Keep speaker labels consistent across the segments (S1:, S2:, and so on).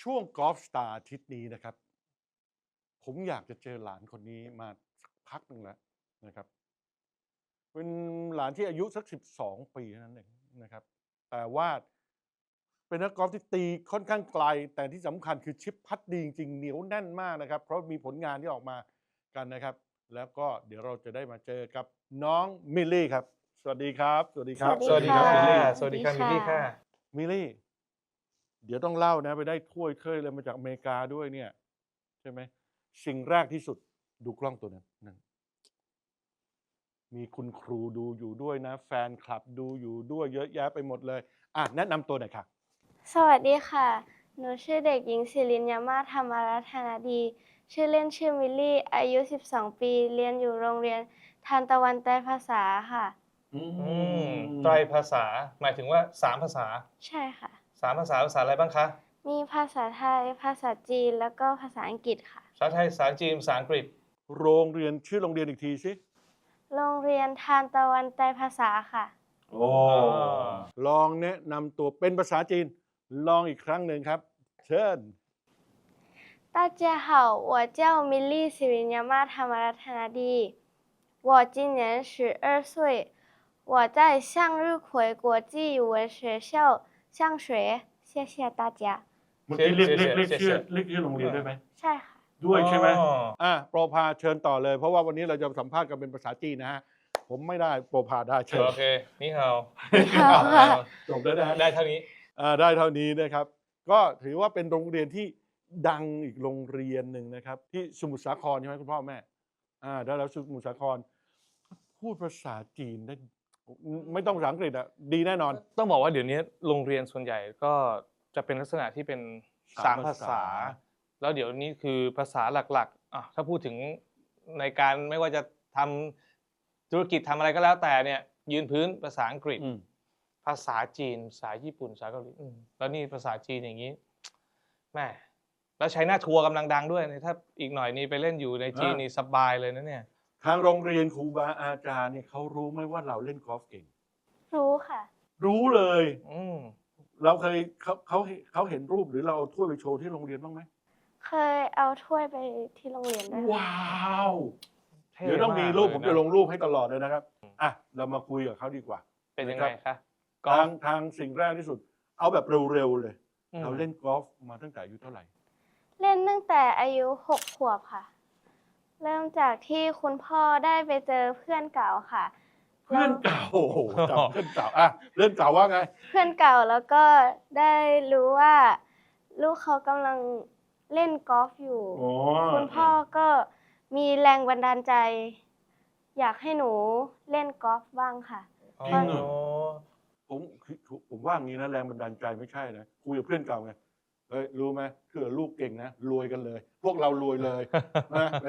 S1: ช่วงกอล์ฟสตาร์อาทิตย์นี้นะครับผมอยากจะเจอหลานคนนี้มาสักพักหนึ่งแล้วนะครับเป็นหลานที่อายุสัก12 ปีเท่านั้นเองนะครับแต่ว่าเป็นนักกอล์ฟที่ตีค่อนข้างไกลแต่ที่สำคัญคือชิปพัดดีจริงๆเหนียวแน่นมากนะครับเพราะมีผลงานที่ออกมากันนะครับแล้วก็เดี๋ยวเราจะได้มาเจอกับน้องมิลลี่ครับสวัสดีครับสวัสดีครับ
S2: สวัสดีครับ
S3: สวัสดีค่ะ
S2: มิลลี่
S3: สวัสดีค่ะมิลลี่ค่ะ
S1: มิลลี่เดี๋ยวต้องเล่านะไปได้ถ้วยเคยเลยมาจากอเมริกาด้วยเนี่ยใช่ไหมสิ่งแรกที่สุดดูกล้องตัวนั้นนั่นมีคุณครูดูอยู่ด้วยนะแฟนคลับดูอยู่ด้วยเยอะแยะไปหมดเลยแนะนำตัวหน่อยค่ะ
S3: สวัสดีค่ะ หนูชื่อเด็กหญิงศิรินยามาธรรมรัตนดี ชื่อเล่นชื่อมิลลี่ อายุ 12 ปี เรียนอยู่โรงเรียนทานตะวันไตรภาษาค่ะ
S2: ไตรภาษาหมายถึงว่า3ภาษา
S3: ใช่ค่ะ
S2: 3ภาษาอะไรบ้างคะ
S3: มีภาษาไทย ภาษาจีน แล้วก็ภาษาอังกฤษค่ะ
S2: ภาษาไทยภาษาจีนภาษาอังกฤษ
S1: โรงเรียนชื่อโรงเรียนอีกทีสิ
S3: โรงเรียนทานตะวันไตรภาษาค่ะ
S1: โอ้ลองแนะนำตัวเป็นภาษาจีนลองอีกครั้งหนึ่งครับเชิญ
S3: 大家好，我叫มิลลี่ศิรินยามาธรรมรัตนดี我今年12岁我在向日葵国际语文学校上学谢谢大家
S1: เมื่อกี้เรียกชื่อโรงเรียนได้ไหม
S3: ใช่ค่ะ
S1: ด้วยใช่ไหม
S2: อ๋อ
S1: โปรพาเชิญต่อเลยเพราะว่าวันนี้เราจะสัมภาษณ์กันเป็นภาษาจีนนะฮะผมไม่ได้โปรพาได้เชิญ
S2: โอเคนี่เฮา
S3: ค่ะ
S1: จบแล้วนะ
S2: ได้เท่านี้
S1: ได้เท่านี้นะครับ ก็ถือว่าเป็นโรงเรียนที่ดังอีกโรงเรียนหนึ่งนะครับ ที่สมุทรสาครใช่ไหมคุณพ่อแม่ได้แล้วสมุทรสาครพูดภาษาจีนได้ไม่ต้องภาษาอังกฤษดีแน่นอน
S2: ต้องบอกว่าเดี๋ยวนี้โรงเรียนส่วนใหญ่ก็จะเป็นลักษณะที่เป็น3ภาษาแล้วเดี๋ยวนี้คือภาษาหลักๆถ้าพูดถึงในการไม่ว่าจะทำธุรกิจทำอะไรก็แล้วแต่เนี่ยยืนพื้นภาษาอังกฤษภาษาจีนภาษาญี่ปุ่นภาษาเกาหลีแล้วนี่ภาษาจีนอย่างนี้แม่แล้วใช้หน้าทัวร์กำลังดังด้วยถ้าอีกหน่อยนี่ไปเล่นอยู่ในจีนนี่สบายเลยนะเนี่ย
S1: ทางโรงเรียนครูบาอาจารย์เนี่ยเขารู้ไหมว่าเราเล่นกอล์ฟเก่ง
S3: รู้ค่ะ
S1: รู้เลย เราเคยเขาเห็นรูปหรือเราเอาถ้วยไปโชว์ที่โรงเรียนบ้างไหม
S3: เคยเอาถ้วยไปที่โรงเรียนด้วยค่ะ
S1: ว้าวเดี๋ยวต้องมีรูปผมจะลงรูปให้ตลอดเลยนะครับเรามาคุยกับเขาดีกว่า
S2: เป็นยังไงคะ
S1: ทางสิ่งแรกที่สุด เอาแบบเร็วๆเลยเราเล่นกอล์ฟมาตั้งแต่อายุเท่าไหร่
S3: เล่นตั้งแต่อายุ 6 ขวบค่ะ เริ่มจากที่คุณพ่อได้ไปเจอเพื่อนเก่าค่ะ
S1: เพื่อนเก่าโอ้โหจำเพื่อนเก่าเพื่อนเก่าว่าไง
S3: เพื่อนเก่าแล้วก็ได้รู้ว่าลูกเขากำลังเล่นกอล์ฟอยู่ คุณพ่อก็มีแรงบันดาลใจ อยากให้หนูเล่นกอล์ฟบ้างค่ะ
S1: จริงเหรอ ผมว่างี้นะแรงบันดาลใจไม่ใช่นะคุยกับเพื่อนเก่าไงเฮ้ยรู้ไหมเผื่อลูกเก่งนะรวยกันเลย พวกเรารวยเลยนะไป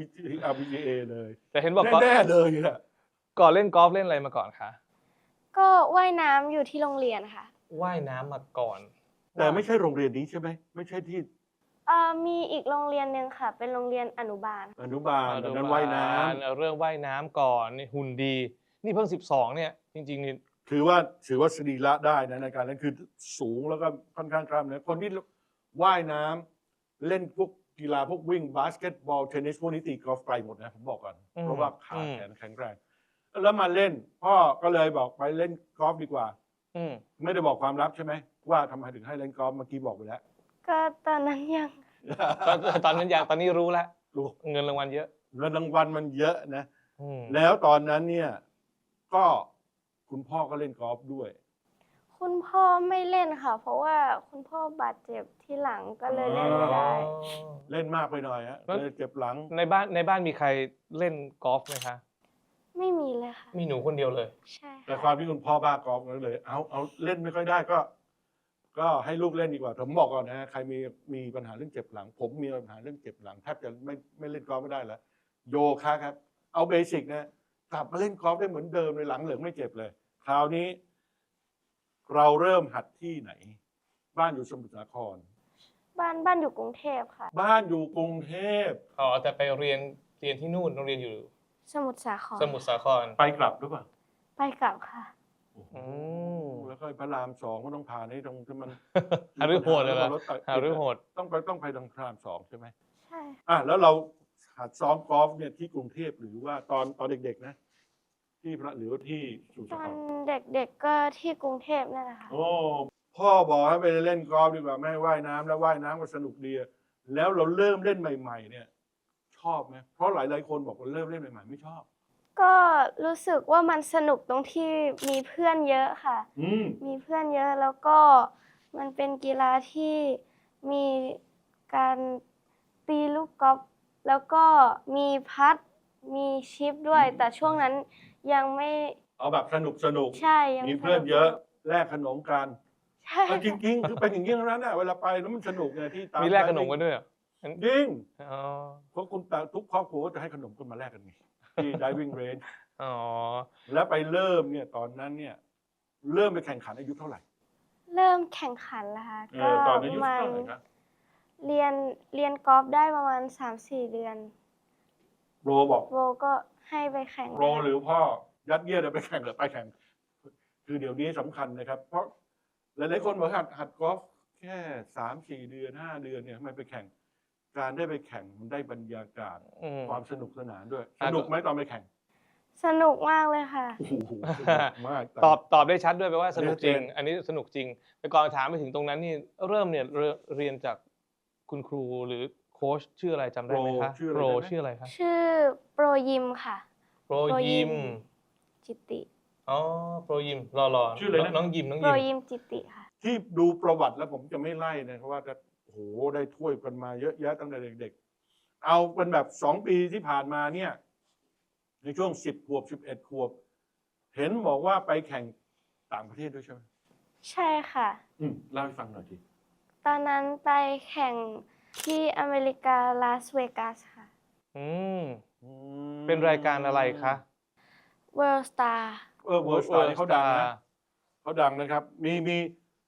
S1: RPGA เลย
S2: แต่เห็นบอก
S1: แน่เลยอะ
S2: ก่อนเล่นกอล์ฟเล่นอะไรมาก่อนคะ
S3: ก็ว่ายน้ำอยู่ที่โรงเรียนค่ะ
S2: ว่ายน้ำมาก่อน
S1: แต่ไม่ใช่โรงเรียนนี้ใช่ไหมไม่ใช่ที่
S3: มีอีกโรงเรียนหนึ่งค่ะ เป็นโรงเรียนอนุบาล
S1: อนุบาลตอนนั้นว่ายน้ำ
S2: เอาเรื่องว่ายน้ำก่อนนี่หุ่นดี นี่เพิ่ง12เนี่ยจริงๆนี่
S1: ถือว่าสรีระได้นะในการนั้นคือสูงแล้วก็ค่อนข้างกล้ามเนื้อคนที่ว่ายน้ำเล่นพวกกีฬาพวกวิ่งบาสเกตบอลเทนนิสพวกนี้ตีกอล์ฟไกลหมดนะผมบอกก่อนเพราะว่าขาแขนแข็งแรงแล้วมาเล่นพ่อก็เลยบอกไปเล่นกอล์ฟดีกว่าไม่ได้บอกความลับใช่ไหมว่าทำไมถึงให้เล่นกอล์ฟเมื่อกี้บอกไปแล้ว
S3: ก็ตอนนั้นยัง
S2: ตอนนั้นยังตอนนี้รู้แล้ว
S1: รู้
S2: เงินรางวัลเยอะ
S1: เงินรางวัลมันเยอะนะแล้วตอนนั้นเนี่ยก็คุณพ่อก็เล่นกอล์ฟด้วย
S3: คุณพ่อไม่เล่นค่ะ เพราะว่าคุณพ่อบาดเจ็บที่หลังก็เลยเล่นไม่ได้
S1: เล่นมากไปหน่อยฮะเลยเจ็บหลัง
S2: ในบ้านมีใครเล่นกอล์ฟไหมคะ
S3: ไม่มีเลยค่ะ
S2: มีหนูคนเดียวเลย
S3: ใช่
S1: แต่
S3: ค่ะ
S1: ความที่คุณพ่อบ้ากอล์ฟก็เลยเอาเล่นไม่ค่อยได้ก็ให้ลูกเล่นดีกว่าผมบอกก่อนนะฮะใครมีปัญหาเรื่องเจ็บหลัง ผมมีปัญหาเรื่องเจ็บหลังแทบจะไม่เล่นกอล์ฟไม่ได้แล้วโยคะครับเอาเบสิกนะกลับมาเล่นกอล์ฟได้เหมือนเดิมเลยหลังเหลืองไม่เจ็บเลย คราวนี้ เราเริ่มหัดที่ไหน บ้านอยู่สมุทรสาคร
S3: บ้านอยู่กรุงเทพค่ะ
S1: บ้านอยู่กรุงเทพ
S2: แต่ไปเรียนที่นู่นโรงเรียนอยู่
S3: สมุทรสาคร
S2: สมุทรสาคร
S1: ไปกลับหรือเปล่า
S3: ไปกลับค่ะ
S1: โอ้โหแล้วก็พระราม2ก็ต้องผ่านให้ตรงที่มัน
S2: หาฤโหดเลยเหรอ
S1: รถติด
S2: หาฤโหด
S1: ต้องไปทางพระราม2ใช่ไหม
S3: ใช่
S1: แล้วเราหัดซ้อมกอล์ฟเนี่ยที่กรุงเทพหรือว่าตอนเด็กๆนะที่หรือว่าที่สุ
S3: ต
S1: สา
S3: อ
S1: คน ร
S3: เด็กๆก็ที่กรุงเทพนั่นแหละค่ะ
S1: โอ้พ่อบอกให้ไปเล่นกอล์ฟดีกว่าไม่ให้ว่ายน้ำแล้วว่ายน้ำก็สนุกดีแล้วเราเริ่มเล่นใหม่ๆเนี่ยชอบไหมเพราะหลายๆคนบอกว่าเริ่มเล่นใหม่ๆไม่ชอบ
S3: ก็รู้สึกว่ามันสนุกตรงที่มีเพื่อนเยอะค่ะ มีเพื่อนเยอะแล้วก็มันเป็นกีฬาที่มีการตีลูกกอล์ฟแล้วก็มีพัดมีชิปด้วย แต่ช่วงนั้นยังไม่
S1: เอาแบบสนุก
S3: ใช่ยัง
S1: มีเพื่อนเยอะ
S3: สนุก
S1: แลกขนมกัน
S3: ใช่
S1: จริงๆคือเป็นอย่างนี้ทั้งนั้นเวลาไปแล้วมันสนุกไงที่ตาม
S2: มีแลกขนมกันด้วยเหรอ
S1: จริง
S2: อ๋อ
S1: เพราะคุณทุกครอบครัวก็จะให้ขนมกันมาแลกกันไงที่ diving range
S2: อ๋อ
S1: แล้วไปเริ่มเนี่ยตอนนั้นเนี่ยเริ่มไปแข่งขันอายุเท่าไหร่
S3: เริ่มแข่งขันแล้วค่ะก็
S1: ตอน
S3: ป
S1: อายุ
S3: ระมาณ
S1: เท่าไหร่ครับ
S3: เรียนกอล์ฟได้ประมาณ 3-4 เดือน
S1: โรบอก
S3: โบก็ให้ไปแข่ง
S1: โรหรือพ่อยัดเยียดให้ไปแข่งหรือไปแข่ง คือเดี๋ยวนี้สำคัญนะครับ เพราะหลายๆคนบอกหัดกอล์ฟแค่3-4 เดือน5 เดือนเนี่ยทำไมไปแข่ง การได้ไปแข่งมันได้บรรยากาศ ความสนุกสนานด้วย สนุกไหมตอนไปแข่ง
S3: สนุกมากเลยค่ะ
S1: โอ้โหสนุกมาก
S2: ตอบได้ชัดด้วยแปลว่าสนุกจริง
S1: ชัดเจน
S2: อันนี้สนุกจริงแต่ก่อนถามไปถึงตรงนั้นนี่เริ่มเนี่ยเรียนจากคุณครูหรือโค้ชชื่ออะไรจำได้ไหมคะ
S1: ชื่ออะไร
S2: โปร
S1: ได้ไหม
S2: ชื่ออะไรคะ
S3: ชื่อโปรยิมค่ะ
S2: โปรยิม
S3: จิติ
S2: อ๋อโปรยิมรอ
S1: ชื่ออะไรนะ
S2: น้องยิมน้อง
S3: โปร
S2: ยิม
S3: ยิมจิติค่ะ
S1: ที่ดูประวัติแล้วผมจะไม่ไล่นะเพราะว่าจะโอ้โหได้ถ้วยกันมาเยอะแยะตั้งแต่เด็กๆ เอาเป็นแบบ2 ปีที่ผ่านมาเนี่ย ในช่วง10 ขวบ11 ขวบ เห็นบอกว่าไปแข่งต่างประเทศด้วยใช่ไหม
S3: ใช่ค่ะ
S1: เล่าให้ฟังหน่อยที
S3: ตอนนั้นไปแข่งที่อเมริกาลาสเวกัสค่ะ
S2: อืมเป็นรายการอะไรคะ
S3: World Star
S1: เวิร์สตาร์เขาดังนะเขาดังนะครับ มี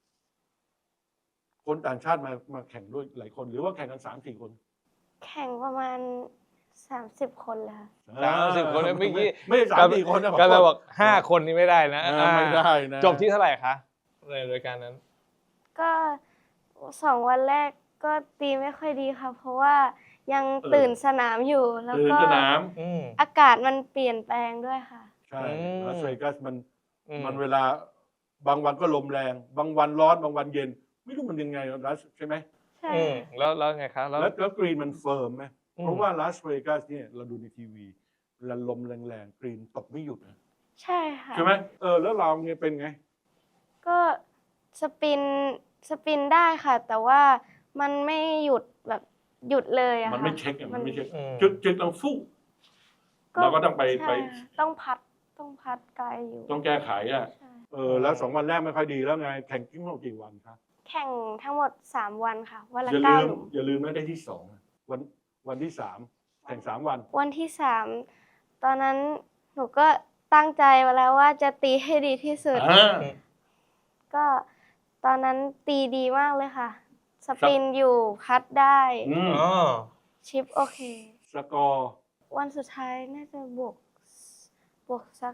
S1: คนต่างชาติมาแข่งด้วยหลายคน หรือว่าแข่งกัน3-4 คน
S3: แข่งประมาณ 30 คนเลยค่ะ
S2: 30 คนเมื่อกี้
S1: ไม่ใช่3-4 คนนะ
S2: ก็เราบอก5 คนนี้ไม่ได้นะ
S1: ไม่ได้นะ
S2: จบที่เท่าไหร่คะในรายการนั้น
S3: ก็2 วันแรกก็ตีไม่ค่อยดีค่ะ เพราะว่ายังตื่นสนามอยู่ แล้ว
S1: ตื่น
S3: ก็
S1: สนาม
S3: อากาศมันเปลี่ยนแปลงด้วยค่ะ
S1: ใช่
S2: อืม
S1: ลาสเวกัสมันเวลาบางวันก็ลมแรง บางวันร้อนบางวันเย็น ไม่รู้มันยังไงลาสใช่ไหม
S3: ใช่
S2: แล้วไงคะแล้ว
S1: แล้วกรีนมันเฟิร์มไหม
S2: อืม
S1: เพราะว่าลาสเวกัสเนี่ยเราดูในทีวีเวลาลมแรงๆกรีนตกไม่หยุดนะ
S3: ใช่ค่ะ
S1: ใช่ไหมแล้วเราเนี่ยเป็นไง
S3: ก็สปินได้ค่ะ แต่ว่ามันไม่หยุดแบบหยุดเลยอะค่ะ
S1: มันไม่เช็คอะมันไม่เช็ค
S2: อืม
S1: จึกต้องฟู่เราก็ต้องไป
S3: ใช่ค่ะต้องพัดไกลอยู่
S1: ต้องแก้ไขอ่ะ
S3: ใช่
S1: แล้ว2 วันแรกไม่ค่อยดีแล้วไงแข่งทั้งหมดกี่วันครับ
S3: แข่งทั้งหมด3 วันค่ะ วันละ
S1: อย่า
S3: 9
S1: ลื
S3: ห
S1: ม
S3: ลุม
S1: อย่าลืมนะได้ที่2นะวันที่3แข่ง3 วัน
S3: วันที่3ตอนนั้นหนูก็ตั้งใจไว้แล้วว่าจะตีให้ดีที่สุด ก็ตอนนั้นตีดีมากเลยค่ะ สปินอยู่พัดได้
S2: อ๋อ
S3: ชิปโอเค
S1: สกอร์
S3: วันสุดท้ายน่าจะบวกสัก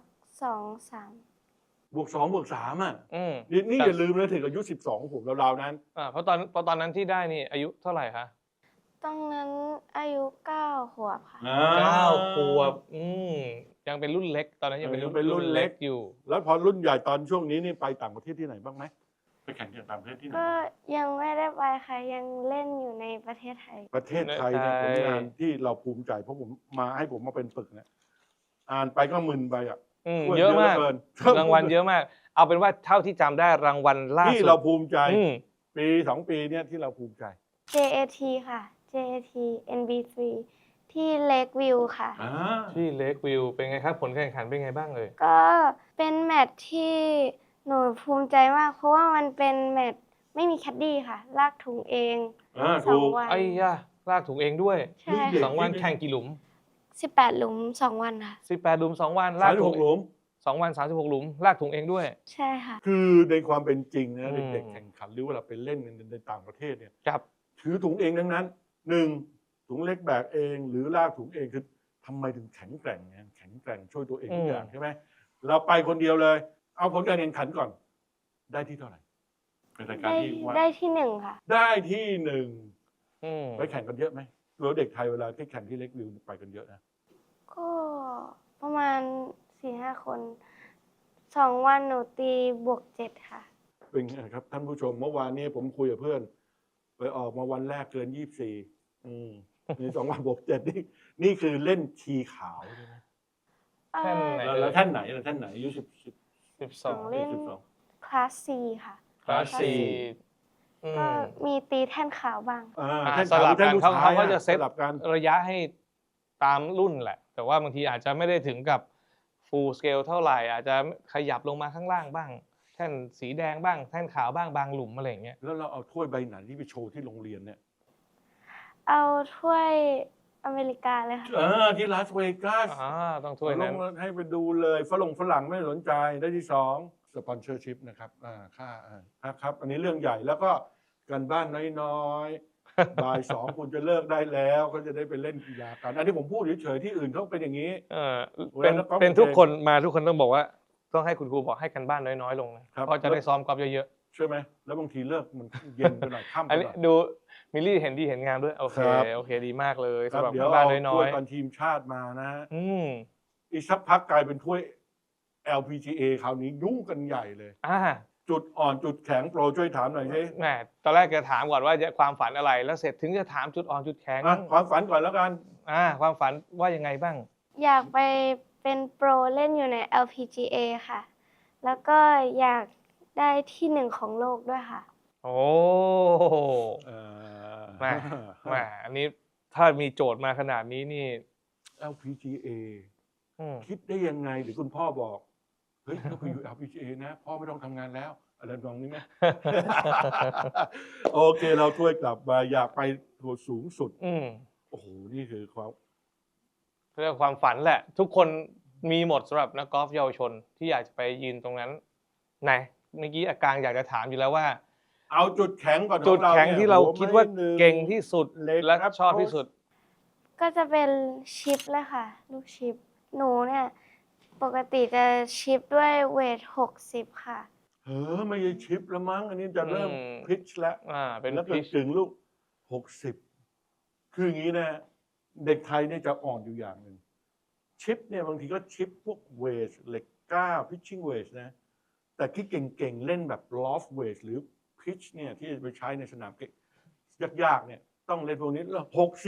S3: 2-3
S1: บวก 2 บวก 3อ่ะ
S2: อืม
S1: นี่อย่าลืมนะถึงอายุ12ผมราวๆนั้น
S2: เพราะตอนนั้นที่ได้นี่อายุเท่าไหร่คะ
S3: ตอนนั้นอายุ9 ขวบค่ะ
S2: 9 ขวบยังเป็นรุ่นเล็ก ตอนนั้นยังเป็นรุ่นเล็กอยู่
S1: แล้วพอรุ่นใหญ่ตอนช่วงนี้นี่ไปต่างประเทศที่ไหนบ้างไหมไปแข่งที่ต่างประเทศที่ไหน
S3: ก็ยังไม่ได้ไปค่ะ ยังเล่นอยู่ในประเทศไทย
S1: ประเทศไทยเนี่ยผ
S2: ใน
S1: ล
S2: ไทย
S1: งานที่เราภูมิใจเพราะผมให้ผมมาเป็นปึกเนี่ยอ่านไปก็มึนไปอ่ะ
S2: เยอะมาก
S1: เกิน
S2: รางวัลเยอะมาก เอาเป็นว่าเท่าที่จำได้รางวัลล่า
S1: ที่
S2: สุด
S1: เราภูมิใจ
S2: อืม
S1: ปี2 ปีเนี่ยที่เราภูมิใจ
S3: JAT ค่ะ JAT NB3 ที่ Lakeview ค่ะ
S2: ที่เลกวิวเป็นไงครับผลการแข่งขันเป็นไงบ้างเลย
S3: ก็เป็นแมตช์ที่หนูภูมิใจมาก เพราะว่ามันเป็นแมตช์ไม่มีแคดดี้ค่ะ ลากถุงเองส
S1: ถู
S3: อง
S1: ก
S3: วัน
S2: ไอ้ย่าลากถุงเองด้วย
S3: ใช่
S1: เด็ก
S3: ค่ะ
S2: 2 วันแข่งกี่หลุม
S3: 18 หลุม 2 วันค่ะ
S2: 18 หลุม 2 วันลากถุง
S1: 36 หลุม
S2: 2 วัน 36 หลุม ลากถุงเองด้วย
S3: ใช่ค่ะ
S1: คือในความเป็นจริงนะ
S2: อืม
S1: เด็กๆแข่งขันหรือว่าเราไปเล่นในต่างประเทศเนี่ย
S2: ครับ
S1: ถือถุงเองทั้งนั้น1ถุงเล็กแบกเองหรือลากถุงเองคือทำไมถึงแข็งแกร่งไงแข็งแกร่งช่วยตัวเองทุกอย่างใช่ไหมเราไปคนเดียวเลย เอาผลการแข่งขันก่อนได้ที่เท่าไหร่เป็นรายการ
S3: ได้
S1: ที่ว่า
S3: ได้ที่หนึ่งค่ะ
S1: ได้ที่หนึ่ง
S2: อืม
S1: ไปแข่งกันเยอะไหมหรือว่าเด็กไทยเวลาที่แข่งที่เล็กวิวไปกันเยอะนะ
S3: ก็ประมาณ 4-5 คน 2 วันหนูตีบวก 7 ค่ะ
S1: เป็นไงครับท่านผู้ชมเมื่อวานนี้ผมคุยกับเพื่อน ไปออกมาวันแรกเกิน 24มี2 วันบวก 7นี่คือเล่นชีขาวใช่ไหม
S2: แท่นไหน
S1: แล้วท่านไหนท่านไหนอายุ10
S3: ของเล่น
S1: 12
S3: คลาส C ค่ะ
S2: คลาสสี่อื
S3: ก็
S2: ม
S3: มีตีแท่นขาวบ้าง
S1: ท่าน
S2: สลับกัน
S1: ท่ผู้ชย
S2: เขาก็จะเซต
S1: สลับกัน
S2: ระยะให้ตามรุ่นแหละ แต่ว่าบางทีอาจจะไม่ได้ถึงกับ full scale เท่าไหร่ อาจจะขยับลงมาข้างล่างบ้าง แท่นสีแดงบ้าง แท่นขาวบ้างบางหลุมอะไรอย่างเงี้ย
S1: แล้วเราเอาถ้วยใบไหนที่ไปโชว์ที่โรงเรียนเนี่ย
S3: เอาถ้วยอเมริกาเลยค่ะ
S1: ที่ลาสเวกัส
S2: ต้องถ้วยนั้น
S1: ลงให้ไปดูเลยฝรั่งไม่สนใจได้ที่2สปอนเซอร์ชิพนะครับค่าครับ อันนี้เรื่องใหญ่แล้วก็กันบ้านน้อยๆ บ่าย 2คุณจะเลิกได้แล้วก็จะได้ไปเล่นกีฬากันอันนี้ผมพูดเฉยๆที่อื่นเขาเป็นอย่างนี้
S2: เป็น
S1: เวลานักกอล์ฟ
S2: เป็นทุก
S1: เก่ง
S2: คนมาทุกคนต้องบอกว่า ต้องให้คุณครูบอกให้กันบ้านน้อยๆลงนะครับ ก็จะได้ซ้อมกอล์ฟเยอะ
S1: ใช่ไหมแล้วบางทีเลิกมันเย็นไปหน่อยค่ำ
S2: ๆ
S1: ไป
S2: อัน
S1: ห
S2: นี้
S1: น่อย
S2: ดูมิลลี่เห็นดีเห็นงามด้วย โอเค
S1: ครับ
S2: โอเคดีมากเลย
S1: ครับ
S2: สำหรับ
S1: เดี๋ยว
S2: บ้าน
S1: เอา
S2: น้
S1: ถ้
S2: อ
S1: วย
S2: ย
S1: ตอนทีมชาติมานะฮะ
S2: ๆ
S1: อีกสักพักกลายเป็นถ้วย LPGA คราวนี้ยุ่งกันใหญ่เลย จุดอ่อนจุดแข็งโปรช่วยถามหน่อยสิ
S2: แหมตอนแรกจะถามก่อนว่าความฝันอะไร แล้วเสร็จถึงจะถามจุดอ่อนจุดแข็ง
S1: ความฝันก่อนแล้วกัน
S2: ความฝันว่ายังไงบ้าง
S3: อยากไปเป็นโปรเล่นอยู่ใน LPGA ค่ะ แล้วก็อยากได้ที่หนึ่งของโลกด้วยค่ะ
S2: โอ้
S1: แห
S2: แหมอันนี้ถ้ามีโจทย์มาขนาดนี้นี่
S1: LPGA
S2: อืม
S1: คิดได้ยังไงหรือคุณพ่อบอกเฮ้ยถ้าไปอยู่ LPGA นะพ่อไม่ต้องทำงานแล้วอะไรตรงนี้ไหม โอเคเราถ้วยกลับมาอยากไปตัวสูงสุด โอ้โหนี่คือความ
S2: เรื่องความฝันแหละ ทุกคนมีหมดสำหรับนักกอล์ฟเยาวชนที่อยากจะไปยืนตรงนั้นไหนเมื่อกี้อากางอยากจะถามอยู่แล้วว่า
S1: เอาจุดแข็งก่อน
S2: จุดแข็งที่เราคิดว่าเก่งที่สุด
S1: เล็ก
S2: และ
S1: ครับ
S2: ชอบที่สุด
S3: ก็จะเป็นชิปเลยค่ะ ลูกชิป หนูเนี่ยปกติจะชิปด้วยเวท 60 ค่ะ
S1: ไม่ใช่ชิปแล้วมั้งอันนี้จะเริ่ม
S2: อืม
S1: พิชแล้ว
S2: เป็น
S1: แล้วก็
S2: พิช
S1: ถึงลูก60คืออย่างนี้นะ เด็กไทยเนี่ยจะอ่อนอยู่อย่างหนึ่งชิปเนี่ยบางทีก็ชิปพวกเวทเหล็กก้าพิชชิ่งเวทนะแต่ที่เก่งๆเล่นแบบลอฟเวทหรือพิชเนี่ยที่จะไปใช้ในสนามเก่งยากๆเนี่ยต้องเล่นพวกนี้แล้ว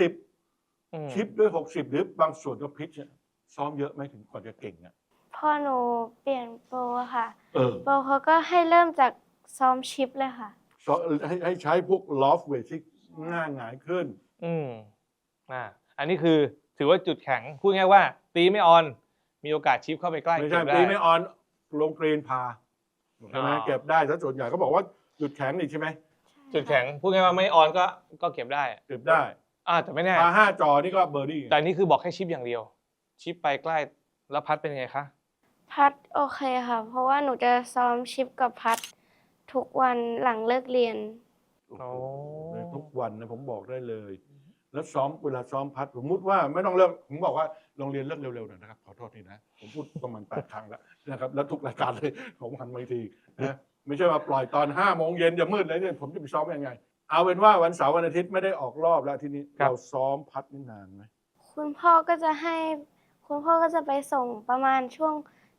S1: 60ชิปด้วย60หรือบางส่วนก็พิชเนี่ยซ้อมเยอะไหมถึงก่อนจะเก่งอ่ะ
S3: พอหนูเปลี่ยนโปรค่ะ
S1: เออ
S3: โปรเขาก็ให้เริ่มจากซ้อมชิปเลยค่ะ
S1: ให้ใช้พวกลอฟเวทที่ง่ายหงายขึ้น
S2: อันนี้คือถือว่าจุดแข็งพูดง่ายว่า ตีไม่ออน มีโอกาสชิปเข้าไปใกล้
S1: ไม่ใช่
S2: เก็บได้
S1: ตีไม่ออนลงกรีนพาใช่ไหม
S2: อ๋อ
S1: เก็บได้ถ้าส่วนใหญ่ก็บอกว่าจุดแข็งนี่ใช่ไหม
S2: จุดแข็งพูดง่ายว่าไม่ออนก็เก็บได้
S1: เก็บได้
S2: แต่ไม่แน่
S1: พา5 จอนี่ก็เบอร์ดี้
S2: แต่นี่คือบอกให้ชิปอย่างเดียว ชิปไปใกล้แล้วพัดเป็นยังไงคะ
S3: พัดโอเคค่ะ เพราะว่าหนูจะซ้อมชิปกับพัดทุกวันหลังเลิกเรียน
S1: โอ้โหทุกวันนะผมบอกได้เลย แล้วซ้อมเวลาซ้อมพัดสมมติว่าไม่ต้องเลิกผมบอกว่าโรงเรียนเลิกเร็วๆหน่อยนะครับขอโทษทีนะผมพูดประมาณ8 ครั้งแล้วนะครับแล้วทุกรายการเลยผมหันมาอีกทีนะไม่ใช่ว่าปล่อยตอน5 โมงเย็นจะมืดเลยเนี่ยผมจะไปซ้อมยังไง เอาเป็นว่าวันเสาร์วันอาทิตย์ไม่ได้ออกรอบแล้วทีนี้
S2: ครับ
S1: เราซ้อมพัดนี่นานไหม
S3: คุณพ่อก็จะไปส่งประมาณช่วง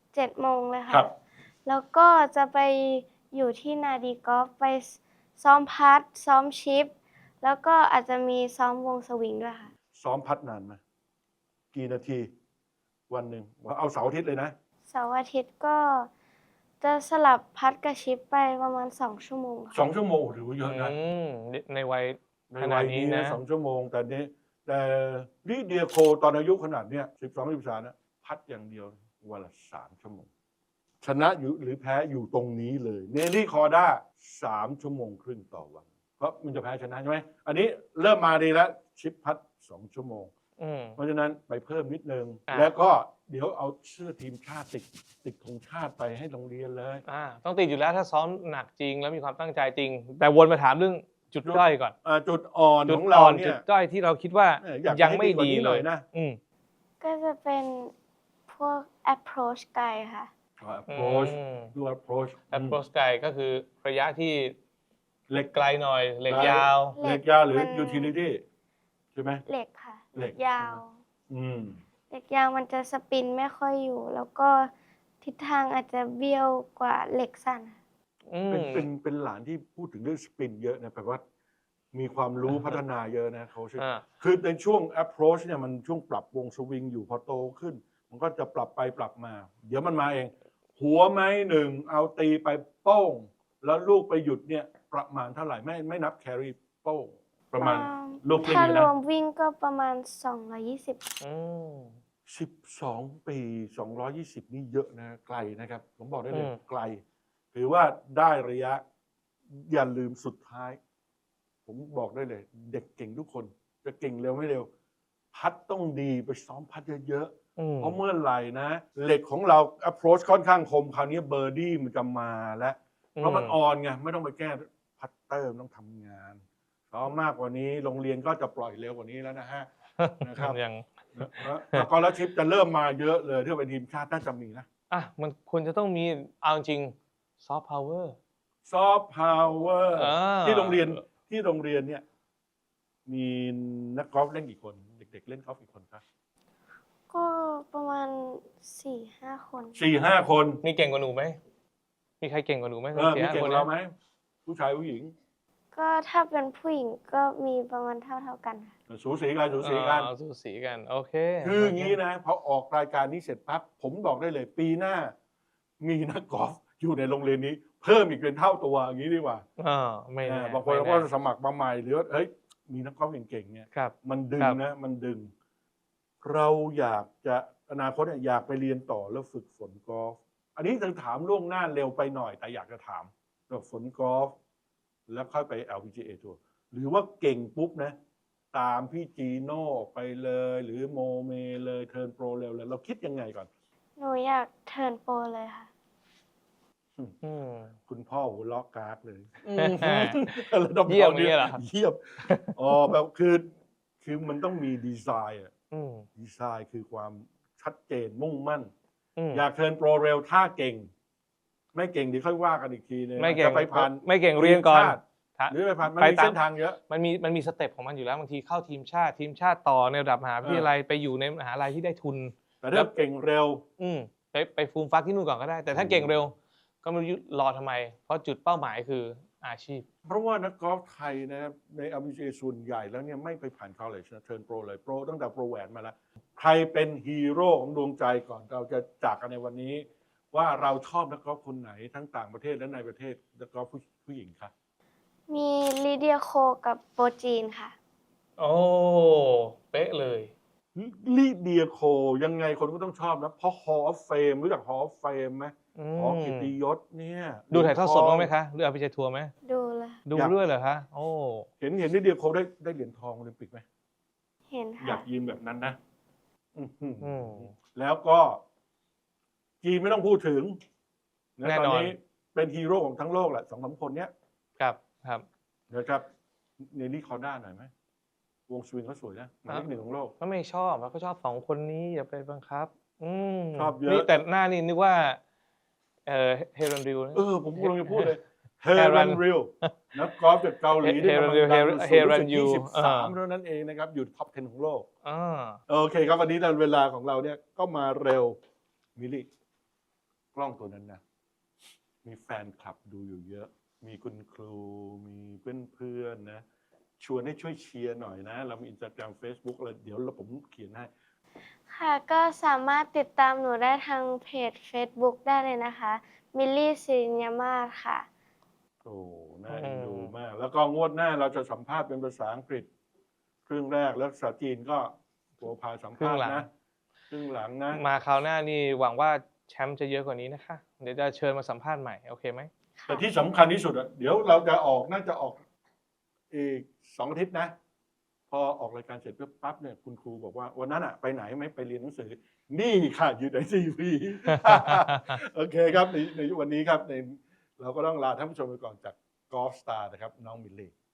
S3: 7 โมงเลยค่ะ แล้วก็จะไปอยู่ที่นาดีกอล์ฟไปซ้อมพัดซ้อมชิป แล้วก็อาจจะมีซ้อมวงสวิงด้วยค่ะ
S1: ซ้อมพัดนานไหมกี่นาที วันหนึ่งเอาเสาร์อาทิตย์เลยนะ
S3: เสาร์อาทิตย์ก็จะสลับพัดกับชิปไปประมาณ2 ชั่วโมงค่ะ
S1: 2 ชั่วโมงถือว่าเยอะนะ
S2: ในวัย
S1: ใน
S2: ขนา
S1: วั
S2: ด
S1: ย
S2: นี้
S1: นี้
S2: นะ
S1: นะ2 ชั่วโมงแต่ลิเดียโคตอนอายุขนาดเนี้ย12-13นะพัดอย่างเดียววันละ3 ชั่วโมง ชนะอยู่หรือแพ้อยู่ตรงนี้เลยเนลลี่คอร์ด้า3 ชั่วโมงครึ่งต่อวัน เพราะมันจะแพ้ชนะใช่ไหมอันนี้เริ่มมาดีแล้วชิปพัด2 ชั่วโมง เพราะฉะนั้นไปเพิ่มนิดนึง แล้วก็เดี๋ยวเอาเสื้อทีมชาติติดธงชาติไปให้โรงเรียนเลย
S2: ต้องติดอยู่แล้วถ้าซ้อมหนักจริงแล้วมีความตั้งใจจริง แต่วนมาถามเรื่องจุดด้อยก่อน
S1: จุดอ่อน
S2: จุ
S1: ข
S2: ด
S1: องเรา
S2: อ่อน
S1: เนี่
S2: จุ
S1: ย
S2: ดด้อยที่เราคิดว่า
S1: อยาก
S2: ยัง
S1: ให้
S2: ไม่
S1: กว่า
S2: ดี
S1: นี้ห
S2: เล
S1: น่
S2: ย
S1: อยนะ
S3: ก็จะเป็นพวก approach ไกลค่ะ
S1: approach
S2: อืม
S1: ดู approach
S2: approach ไกลก็คือระยะที่
S1: เหล็ก
S2: ไกลหน่อยเหล็กยาว
S1: เหล็กยาวหรือ
S3: มัน
S1: utility ใช่ไหม
S3: เหล็กค่ะ
S1: เหล็ก
S3: ยาว
S1: อืม
S3: เหล็กยาวมันจะสปินไม่ค่อยอยู่ แล้วก็ทิศทางอาจจะเบี้ยวกว่าเหล็กสั้นค่ะ
S2: อืม
S1: เป็นหลานที่พูดถึงเรื่องสปินเยอะนะแปลว่ามีความรู้พัฒนาเยอะนะเขาใช่
S2: อ่า
S1: คือในช่วง approach เนี่ยมันช่วงปรับวงสวิงอยู่พอโตขึ้น มันก็จะปรับไปปรับมา เดี๋ยวมันมาเอง หัวไม้หนึ่งเอาตีไปโป้ง แล้วลูกไปหยุดเนี่ยประมาณเท่าไหร่ไม่นับแครีโป้งประมาณลูกเล่น
S3: ถ้า
S1: เลย
S3: ร
S1: นะ
S3: วมวิ่งก็ประมาณ 220
S2: อืม
S1: 12 ปี 220 นี่เยอะนะไกลนะครับ ผมบอกได้เลย
S2: อืม
S1: ไกล ถือว่าได้ระยะ อย่าลืมสุดท้าย ผมบอกได้เลย เด็กเก่งทุกคน จะเก่งเร็วไม่เร็ว พัดต้องดีไปซ้อมพัดเยอะ
S2: อืม
S1: ๆ เพราะเมื่อไหร่นะ เหล็กของเรา approach ค่อนข้างคม คราวนี้เบอร์ดี้มันจะมาแล้ว เพราะมันออนไง ไม่ต้องไปแก้พัตเตอร์มันต้องทำงานซ้อมมากกว่านี้ โรงเรียนก็จะปล่อยเร็วกว่านี้แล้วนะฮะ นะครับ
S2: ยัง
S1: แล้วก็แล้วชิปจะเริ่มมาเยอะเลยถ้าเป็นทีมชาติน่าจะมีนะ
S2: อ่ะมันควรจะต้องมีเอาจริงซอฟต์พาวเวอร์
S1: ซอฟต์พาวเวอร์
S2: อ่า
S1: ที่โรงเรียนเนี่ย มีนักกอล์ฟเล่นกี่คน เด็กๆเล่นกอล์ฟกี่คนครับ
S3: ก็ประมาณ 4-5 คน
S1: 4-5 คน
S2: มีเก่งกว่าหนูไหมมีใครเก่งกว่าหนูไหม
S1: มีเก่งกว่าเราไหมผู้ชายผู้หญิง
S3: ก็ถ้าเป็นผู้หญิงก็มีประมาณเท่ากันค่ะ
S1: สูสีกันสูสีกัน
S2: สูสีกันโอเค
S1: คืออย่างนี้นะพอออกรายการนี้เสร็จปั๊บผมบอกได้เลย ปีหน้า มีนักกอล์ฟอยู่ในโรงเรียนนี้ เพิ่มอีกเป็นเท่าตัวอย่างนี้ดีกว่า
S2: ไม่แน่
S1: บางคน
S2: ไม่
S1: ก็
S2: แน่
S1: สมัครมาใหม่หรือว่าเฮ้ยมีนักกอล์ฟเก่งๆเนี่ย
S2: ครับ
S1: มันดึง
S2: ครับ
S1: นะมันดึง เราอยากจะอนาคตเนี่ยอยากไปเรียนต่อแล้วฝึกฝนกอล์ฟอันนี้ต้องถามล่วงหน้าเร็วไปหน่อย แต่อยากจะถามว่าฝนกอล์ฟแล้วค่อยไป LPGA ทัวร์หรือว่าเก่งปุ๊บนะ ตามพี่จีโน่ไปเลย หรือโมเมเลยเทิร์นโปรเร็วเลยเราคิดยังไงก่อน
S3: หนูอยากเทิร์นโปรเลยค่ะ
S2: อืม
S1: คุณพ่อหัวล็อกกากเลย
S2: เยี่ยมอย่างเงี้ยเหรอ
S1: เยี่ยมอ๋อแบบคือมันต้องมีดีไซน์อะ
S2: อืม
S1: ดีไซน์คือความชัดเจนมุ่งมั่น
S2: อืม
S1: อยากเทิร์นโปรเร็วถ้าเก่ง ไม่เก่งเดี๋ยวค่อยว่ากันอีกทีนึง
S2: ไม่เก่ง
S1: จะไปผ่าน
S2: ไม่เก่งเรียนก่อน
S1: ทีมชาติหรือไปผ่านมัน
S2: ไป
S1: มี
S2: ตาม
S1: เส้นทางเยอะ
S2: มันมีสเต็ปของมันอยู่แล้วบางทีเข้าทีมชาติต่อในระดับมหาวิทยาลัยไปอยู่ในมหาลัยที่ได้ทุน
S1: แต่ถ้าเก่งเร็ว
S2: ไปฟูมฟักที่นู่นก่อนก็ได้ แต่ถ้าเก่งเร็ว ก็ไม่รู้รอทำไม เพราะจุดเป้าหมายคืออาชีพ
S1: เพราะว่านักกอล์ฟไทยนะครับใน LPGA ส่วนใหญ่แล้วเนี่ยไม่ไปผ่าน college นะเทิร์นโปรเลยโปรตั้งแต่โปรแหวนมาแล้ว ใครเป็นฮีโร่ของดวงใจก่อนเราจะจากกันในวันนี้ ว่าเราชอบนักกอล์ฟคนไหนทั้งต่างประเทศและในประเทศนักกอล์ฟผู้หญิงครับ
S3: มีลิเดียโคกับโปรจีนค่ะ
S2: โอ้เป๊ะเลย
S1: ลีเดียโคยังไงคนก็ต้องชอบนะ เพราะ Hall of Fame รู้จัก Hall of Fame ไหมหอเกียรติยศเนี่ย
S2: ดูถ่ายทอดสดบ้างไหมคะหรือเอาไปใช้ทัวร์ไหม
S3: ดูเลย
S2: ดูด้วยเหรอคะโอ้
S1: เห็นลีเดียโคได้เหรียญทองโอลิมปิกไหม
S3: เห็น
S1: อยา
S3: ค่ะ
S1: กยืมแบบนั้นนะอื้อหือ
S2: อืม
S1: แล้วก็จีนไม่ต้องพูดถึงนะ
S2: แน่
S1: ตอน
S2: นอน
S1: นี้เป็นฮีโร่ของทั้งโลกแหละ2-3 คนเนี้ย
S2: ครับครับ
S1: นะครับเนลลี่คอร์ด้าหน่อยไหมวงสวิงเขาสวยนะหมายเลข 1ของโลก
S2: ก็ไม่ชอบแล้วก็ชอบสองคนนี้อย่าไปบังคับ
S1: ชอบเยอะ
S2: นี่แต่หน้านี่นึกว่าเฮรันดิวนะ
S1: ผมกำลังจะพูดเลยเฮ
S2: Heran
S1: รันริวนักกอล์ฟจากเกาหลีที่กำลังดัง
S2: Heran Yu
S1: 23เท่านั้นเองนะครับ อยู่ท็อป 10 ของโลก
S2: อ่า
S1: โอเคครับวันนี้เวลาของเราเนี่ยก็มาเร็วมิลลี่กล้องตัวนั้นนะ มีแฟนคลับดูอยู่เยอะ มีคุณครู มีเพื่อนๆนะ ชวนให้ช่วยเชียร์หน่อยนะ เรามี Instagram Facebook อะไรเดี๋ยวผมเขียนให้
S3: ค่ะก็สามารถติดตามหนูได้ทางเพจ Facebook ได้เลยนะคะมิลลี่สิริญญามาศค่ะ
S1: โอ้น่าเอ็นดูมาก แล้วก็งวดหน้าเราจะสัมภาษณ์เป็นภาษาอังกฤษ ครึ่งแรกแล้วภาษาจีนก็ตัวพาสัมภาษณ์นะครึ่งหลังนะ
S2: มาคราวหน้านี่หวังว่าแชมป์จะเยอะกว่านี้นะคะ เดี๋ยวจะเชิญมาสัมภาษณ์ใหม่ โอเคไหม
S1: แต่ที่สำคัญที่สุดอะเดี๋ยวเราจะออกน่าจะออกอีก2 อาทิตย์นะ พอออกรายการเสร็จปั๊บเนี่ยคุณครูบอกว่าวันนั้นอะไปไหนไม่ไปเรียนหนังสือ นี่ค่ะอยู่ในทีวี โอเคครับในวันนี้ครับเราก็ต้องลาท่านผู้ชมไปก่อนจากกอล์ฟสตาร์นะครับน้องมิลลี่